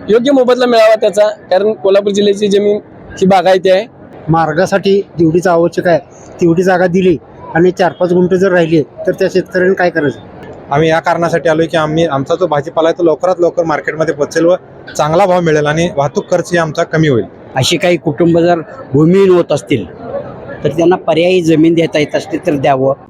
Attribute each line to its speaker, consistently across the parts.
Speaker 1: योग्य मोबदला मिळावा त्याचा, कारण कोल्हापूर जिल्ह्याची जमीन ही बागायती आहे.
Speaker 2: मार्गासाठी जेवढीच आवश्यक आहे तेवढी जागा दिली आणि 4-5 गुंठे जर राहिले तर त्या शेतकऱ्यांनी काय करायचं?
Speaker 3: आम्ही या कारणासाठी आलोय की आमचा जो भाजीपाला आहे तो लवकरात लवकर मार्केटमध्ये पोहोचेल व चांगला भाव मिळेल आणि वाहतूक खर्च आमचा कमी होईल.
Speaker 4: अशी काही कुटुंब जर भूमिहीन होत असतील तर त्यांना पर्यायी जमीन देता येत असते तर द्यावं.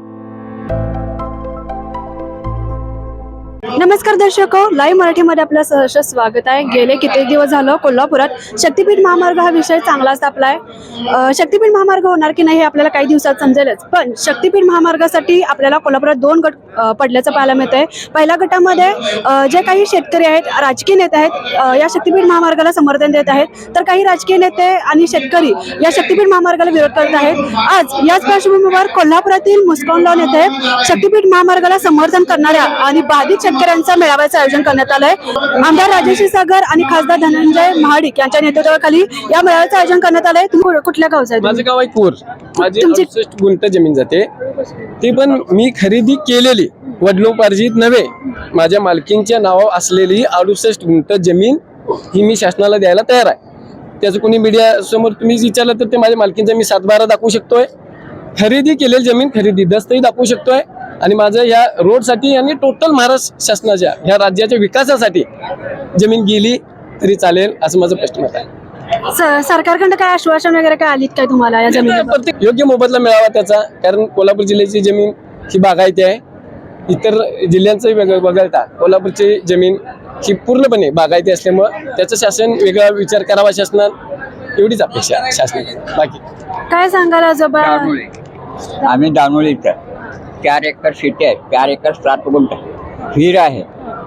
Speaker 5: नमस्कार दर्शक, लाईव्ह मराठीमध्ये आपलं सहर्ष स्वागत आहे. गेले कित्येक दिवस झालं कोल्हापुरात शक्तीपीठ महामार्ग हा विषय चांगलाच तापलाय. शक्तीपीठ महामार्ग होणार की नाही हे आपल्याला काही दिवसात समजेलच, पण शक्तीपीठ महामार्गासाठी आपल्याला कोल्हापुरात 2 गट पडल्याचं पाहायला मिळतंय. पहिल्या गटामध्ये जे काही शेतकरी आहेत, राजकीय नेते आहेत, या शक्तीपीठ महामार्गाला समर्थन देत आहेत, तर काही राजकीय नेते आणि शेतकरी या शक्तीपीठ महामार्गाला विरोध करत आहेत. आज याच पार्श्वभूमीवर कोल्हापुरातील मुस्कान लॉन येथे शक्तीपीठ महामार्गाला समर्थन करणाऱ्या आणि बाधित शेतकऱ्यांचा मेळाव्याचं आयोजन करण्यात आलंय. आमदार राजेश सागर आणि खासदार धनंजय महाडिक यांच्या नेतृत्वाखाली या मेळाव्याचं आयोजन करण्यात आलंय. तुम्ही कुठल्या गावचा आहे?
Speaker 1: माझं गाव आहे कूर. माझी 68 गुंठ जमीन जाते, ती पण मी खरेदी केलेली, वडिलोपार्जित नव्हे. माझ्या मालकींच्या नावावर असलेली 68 गुंठ जमीन ही मी शासनाला द्यायला तयार आहे. त्याचं कोणी मीडिया समोर तुम्ही विचारलं तर ते माझ्या मालकींचा मी 7-12 दाखवू शकतोय. खरेदी केलेली जमीन खरेदी दस्तही दाखवू शकतोय. आणि माझं या रोडसाठी आणि टोटल महाराष्ट्र शासनाच्या ह्या राज्याच्या विकासासाठी जमीन गेली तरी चालेल असं माझं स्पष्ट मत आहे.
Speaker 5: सरकारकडे काय आश्वासन वगैरे काय आलीत काय तुम्हाला या जमिनीवर?
Speaker 1: प्रत्येक योग्य मोबदला मिळावा त्याचा, कारण कोल्हापूर जिल्ह्याची जमीन ही बागायती आहे. इतर जिल्ह्यांचं वगळता कोल्हापूरची जमीन ही पूर्णपणे बागायती असल्यामुळं त्याचं शासन वेगळा विचार करावा शासनात, एवढीच अपेक्षा शासनाची. बाकी
Speaker 5: काय सांगाल आजोबा?
Speaker 4: आम्ही दानोळी इथं 4 एकर शेती आहे, 4 एकर 7 गुंठ विहीर आहे,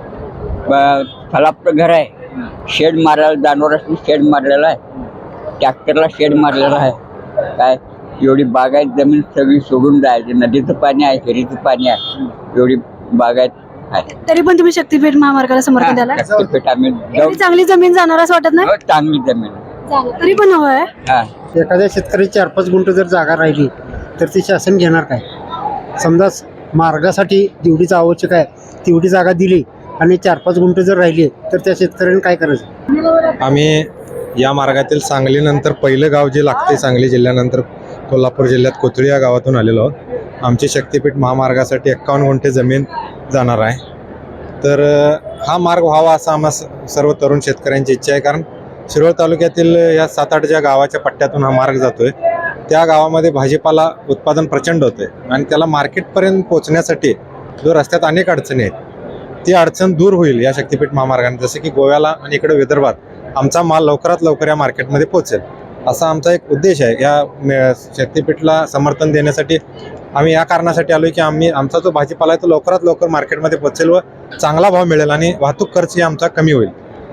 Speaker 4: फलाप्त घर आहे, शेड मारायला दानोरासनी शेड मारलेला आहे, ट्रॅक्टरला शेड मारलेला आहे. काय एवढी बागायत जमीन सगळी सोडून जायची, नदीचं पाणी आहे, विहिरीचं पाणी आहे, एवढी बागायत आहे.
Speaker 5: तरी पण तुम्ही शक्तीपीठ महामार्गाला समर्थन द्याला?
Speaker 4: शक्तीपीठ आम्ही
Speaker 5: एवढी चांगली जमीन जाणार असं वाटत नाही?
Speaker 4: चांगली जमीन
Speaker 5: तरी पण हवंय.
Speaker 2: एखाद्या शेतकरी 4-5 गुंठे जर जागा राहिली तर ती शासन घेणार काय? समजा मार्गासाठी जेवढीच आवश्यक आहे तेवढी जागा दिली आणि 4-5 गुंठे जर राहिले तर त्या शेतकऱ्यांनी काय करायचं?
Speaker 3: आम्ही या मार्गातील सांगलीनंतर पहिलं गाव जे लागते, सांगली जिल्ह्यानंतर कोल्हापूर जिल्ह्यात कोथळी या गावातून आलेलो आहोत. आमची शक्तीपीठ महामार्गासाठी 51 गुंठे जमीन जाणार आहे. तर हा मार्ग व्हावा असं आम्हा सर्व तरुण शेतकऱ्यांची इच्छा आहे, कारण शिरोळ तालुक्यातील या 7-8 ज्या गावाच्या पट्ट्यातून हा मार्ग जातोय त्या गावामध्ये भाजीपाला उत्पादन प्रचंड होते आणि त्याला मार्केटपर्यंत पोहोचण्यासाठी जो रस्त्यात अनेक अडचणी आहेत ती अडचण दूर होईल या शक्तीपीठ महामार्गाने. जसे की गोव्याला आणि इकडे विदर्भात आमचा माल लवकरात लवकर या मार्केटमध्ये पोहोचेल असा आमचा एक उद्देश आहे. या शक्तीपीठला समर्थन देण्यासाठी आम्ही या कारणासाठी आलोय की आमचा जो भाजीपाला आहे तो लवकरात लवकर मार्केटमध्ये पोहोचेल व चांगला भाव मिळेल आणि वाहतूक खर्च आमचा कमी होईल.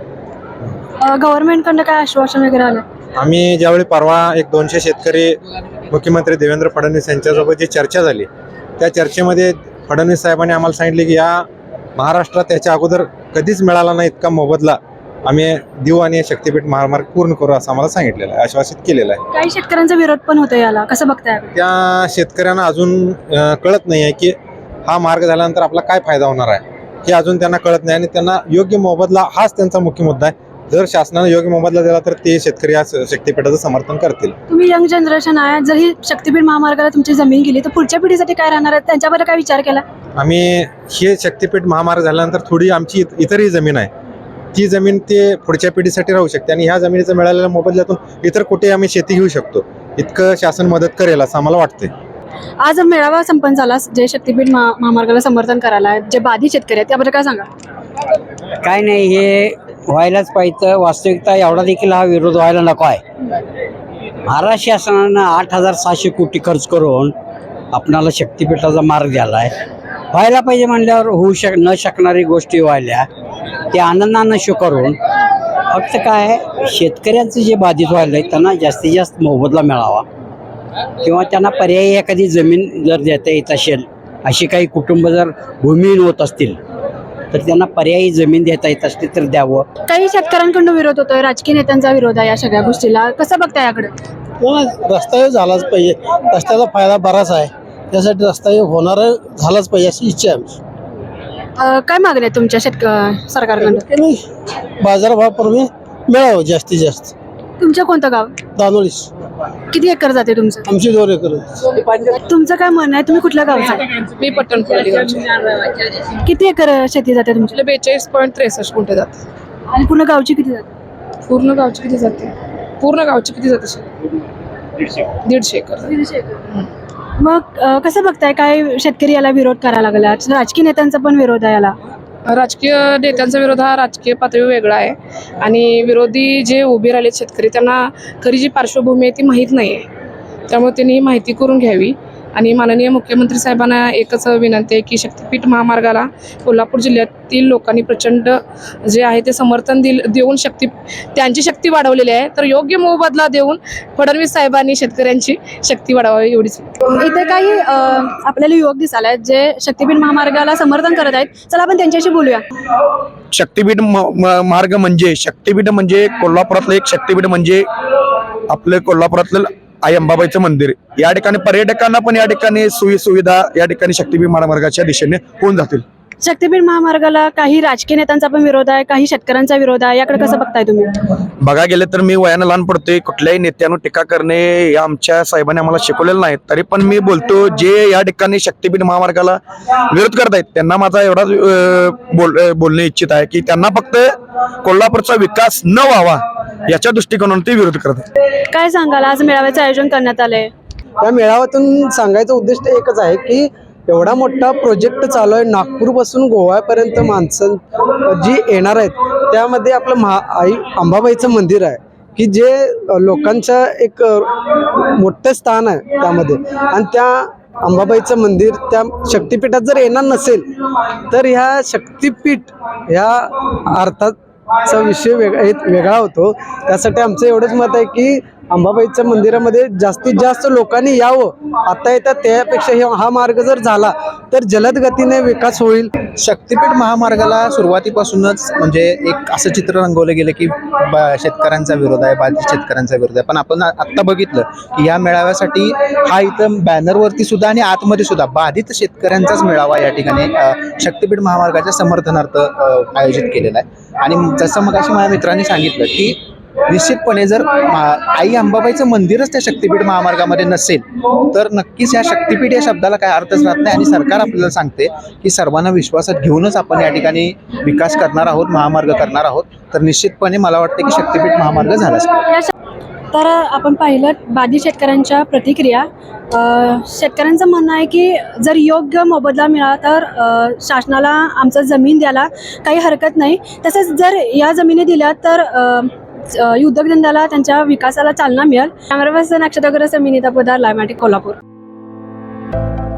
Speaker 5: गव्हर्नमेंटकडनं काय आश्वासन वगैरे आलं?
Speaker 3: आम्ही ज्यावेळी परवा 200 शेतकरी मुख्यमंत्री देवेंद्र फडणवीस यांच्यासोबत जी चर्चा झाली त्या चर्चेमध्ये फडणवीस साहेबांनी आम्हाला सांगितले की या महाराष्ट्रात त्याच्या अगोदर कधीच मिळाला नाही इतका मोबदला आम्ही देऊ आणि शक्तीपीठ महामार्ग पूर्ण करू असं आम्हाला सांगितलेलं आहे, आश्वासित केलेलं आहे.
Speaker 5: काही शेतकऱ्यांचा विरोध पण होतो याला, कसं बघताय?
Speaker 3: त्या शेतकऱ्यांना अजून कळत नाही आहे की हा मार्ग झाल्यानंतर आपला काय फायदा होणार आहे हे अजून त्यांना कळत नाही आणि त्यांना योग्य मोबदला हाच त्यांचा मुख्य मुद्दा आहे. जर शासनाने योग्य मोबदला दिला तर ते शेतकरी या शक्तीपीठाचं समर्थन करतील.
Speaker 5: तुम्ही यंग जनरेशन आहे, जर ही शक्तीपीठ महामार्गाला तुमची जमीन गेली तर पुढच्या पिढीसाठी काय राहणार आहे त्यांच्याबद्दल काय विचार केला?
Speaker 3: आम्ही हे शक्तीपीठ महामार्ग झाल्यानंतर थोडी आमची इतरही जमीन आहे, ती जमीन ते पुढच्या पिढीसाठी राहू शकते आणि ह्या जमिनीचं मिळालेल्या मोबदल्यातून इतर कुठे आम्ही शेती घेऊ शकतो. इतकं शासन मदत करेल असं आम्हाला वाटतंय.
Speaker 5: आज मेळावा संपन्न झाला, जे शक्तीपीठ महामार्गाला समर्थन करायला जे बाधित शेतकरी आहेत त्याबद्दल काय सांगा?
Speaker 4: काय नाही, हे व्हायलाच पाहिजे. वास्तविकता एवढा देखील हा विरोध व्हायला नको आहे. महाराष्ट्र शासनानं 8,700 कोटी खर्च करून आपणाला शक्तीपीठाचा मार्ग द्यायला आहे. व्हायला पाहिजे म्हणल्यावर होऊ न शकणारी गोष्टी व्हायल्या ते आनंदानं स्वीकारून फक्त काय शेतकऱ्यांचं जे बाधित व्हायला आहे त्यांना जास्तीत जास्त मोबदला मिळावा किंवा त्यांना पर्यायी एखादी जमीन जर देता येत असेल, अशी काही कुटुंब जर भूमिहीन होत असतील तर त्यांना पर्यायी जमीन देता येत असते तर द्यावं.
Speaker 5: काही शेतकऱ्यांकडून विरोध होतोय, राजकीय नेत्यांचा विरोध आहे या सगळ्या गोष्टीला, कसं बघताय याकडे?
Speaker 2: रस्ता झालाच पाहिजे, रस्त्याचा फायदा बराच आहे, त्यासाठी रस्ता होणार झालाच पाहिजे अशी इच्छा आहे.
Speaker 5: काय मागण्या आहेत तुमच्या सरकारकडून?
Speaker 6: बाजारभाव पूर्वी मिळावं जास्तीत जास्त.
Speaker 5: तुमचं कोणतं गाव?
Speaker 6: दानोळीस
Speaker 5: किती एकर जाते तुमचं?
Speaker 6: आमची 2 एकर.
Speaker 5: तुमचं काय म्हणणं आहे? तुम्ही कुठल्या गावचा?
Speaker 7: मी पट्टणखोली गावची.
Speaker 5: किती एकर शेती जाते तुमची?
Speaker 7: 42.63 गुंठे जाते.
Speaker 5: आणि पूर्ण गावची किती जाते?
Speaker 7: पूर्ण गावची किती जाते? पूर्ण गावची किती जाते? 150 एकर.
Speaker 5: मग कसं बघताय, काय शेतकरी याला विरोध करायला लागला? राजकीय नेत्यांचा पण विरोध आहे याला.
Speaker 7: राजकीय नेत्यांचा विरोध हा राजकीय पातळीवर वेगळा आहे आणि विरोधी जे उभे राहिलेत शेतकरी त्यांना खरी जी पार्श्वभूमी आहे ती माहीत नाही आहे. त्यामुळे त्यांनी ही माहिती करून घ्यावी. आणि माननीय मुख्यमंत्री साहेबांना एकच विनंती आहे की शक्तीपीठ महामार्गाला कोल्हापूर जिल्ह्यातील लोकांनी प्रचंड जे आहे ते समर्थन देऊन त्यांची शक्ती वाढवलेली आहे. तर योग्य मोबदला देऊन फडणवीस साहेबांनी शेतकऱ्यांची शक्ती वाढवावी एवढीच.
Speaker 5: इथे काही आपल्याला युवक दिसायला आहेत जे शक्तीपीठ महामार्गाला समर्थन करत आहेत. चला आपण त्यांच्याशी बोलूया.
Speaker 8: शक्तीपीठ मार्ग म्हणजे शक्तीपीठ म्हणजे कोल्हापुरातलं एक शक्तीपीठ म्हणजे आपलं कोल्हापुरातलं आई अंबाबाईचं मंदिर. या ठिकाणी पर्यटकांना पण या ठिकाणी सुविधा या ठिकाणी शक्तीपीठ महामार्गाच्या दिशेने होऊन जातील.
Speaker 5: शक्तीपीठ महामार्गाला काही राजकीय नेत्यांचा पण विरोध आहे, काही शेतकऱ्यांचा विरोध आहे. याकडे कसं बघताय तुम्ही?
Speaker 8: बघा गेले तर मी वयानं लहान पडतोय. कुठल्याही नेत्यानं टीका करणे हे आमच्या साहेबांनी आम्हाला शिकवलेलं नाही. तरी पण मी बोलतो जे या ठिकाणी शक्तीपीठ महामार्गाला विरोध करत आहेत त्यांना माझा एवढाच बोलणे इच्छित आहे की त्यांना फक्त कोल्हापूरचा विकास न व्हावा याच्या दृष्टिकोनातून ते विरोध करतात.
Speaker 5: काय सांगाल, आज मेळाव्याचं आयोजन करण्यात आलंय?
Speaker 6: या मेळाव्यातून सांगायचं उद्दिष्ट एकच आहे की एवढा मोठा प्रोजेक्ट चालू आहे, नागपूरपासून गोव्यापर्यंत माणसं जी येणार आहेत त्यामध्ये आपलं आई अंबाबाईचं मंदिर आहे की जे लोकांचं एक मोठं स्थान आहे त्यामध्ये. आणि त्या अंबाबाईचं मंदिर त्या शक्तिपीठात जर येणार नसेल तर ह्या शक्तिपीठ ह्या अर्थाचा विषय वेगळा होतो. त्यासाठी आमचं एवढंच मत आहे की अंबाबाईच्या मंदिरामध्ये जास्तीत जास्त लोकांनी यावं. आता येतात त्यापेक्षा हा मार्ग जर झाला तर जलद गतीने विकास होईल.
Speaker 9: शक्तीपीठ महामार्गाला सुरुवातीपासूनच म्हणजे एक असं चित्र रंगवलं गेलं की शेतकऱ्यांचा विरोध आहे, बाधित शेतकऱ्यांचा विरोध आहे. पण आपण आत्ता बघितलं की या मेळाव्यासाठी हा इथं बॅनरवरती सुद्धा आणि आतमध्ये सुद्धा बाधित शेतकऱ्यांचाच मेळावा या ठिकाणी शक्तीपीठ महामार्गाच्या समर्थनार्थ आयोजित केलेला आहे. आणि जसं मग अशी माझ्या मित्रांनी सांगितलं की निश्चितपणे जर आई अंबाबाईचं मंदिरच त्या शक्तीपीठ महामार्गामध्ये नसेल तर नक्कीच या शक्तीपीठ या शब्दाला काय अर्थच राहत नाही. आणि सरकार आपल्याला सांगते की सर्वांना विश्वासात घेऊनच आपण या ठिकाणी विकास करणार आहोत, महामार्ग करणार आहोत. तर निश्चितपणे मला वाटतं की शक्तीपीठ महामार्ग झालाच पाहिजे.
Speaker 5: तर आपण पाहिलं बाधित शेतकऱ्यांच्या प्रतिक्रिया. शेतकऱ्यांचं म्हणणं आहे की जर योग्य मोबदला मिळाला तर शासनाला आमचं जमीन द्यायला काही हरकत नाही. तसंच जर या जमिनी दिल्या तर उद्योगधंद्याला त्यांच्या विकासाला चालना मिळेल. कॅमेरा पर्सन अक्षता गरज, मी नीता पोदार, लाईव्ह मराठी, कोल्हापूर.